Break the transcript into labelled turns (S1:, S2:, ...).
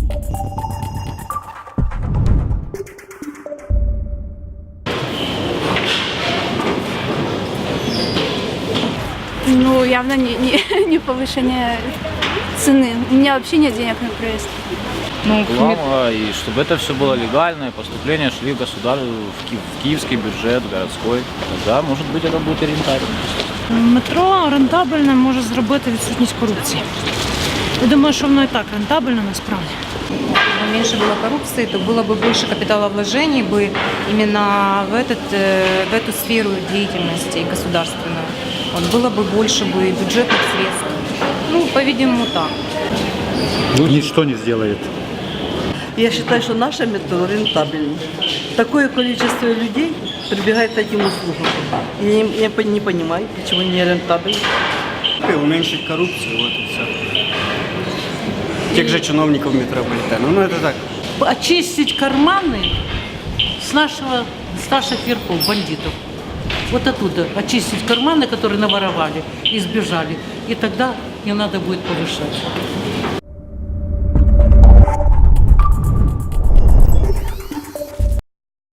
S1: Ну, явно не повышение цены. У меня вообще нет денег на проезд.
S2: Реклама, и чтобы это все было легально, и поступления шли в в киевский бюджет, городской, тогда, может быть, это будет и рентабельно.
S3: Метро рентабельне може зробити відсутність корупції. Я думаю, що воно і так рентабельно насправді.
S4: Если бы меньше было коррупции, то было бы больше капиталовложений бы именно в эту сферу деятельности государственную. Вот было бы больше бы бюджетных средств. Ну, по-видимому, так.
S5: Ничто не сделает.
S6: Я считаю, что наше метро рентабельно. Такое количество людей прибегает к этим услугам. Я не понимаю, почему не рентабельно.
S7: Уменьшить коррупцию, вот и все. Тех же чиновников метрополитена. Ну, это так.
S8: Очистить карманы с наших верхов, бандитов. Вот оттуда очистить карманы, которые наворовали и сбежали. И тогда не надо будет повышать.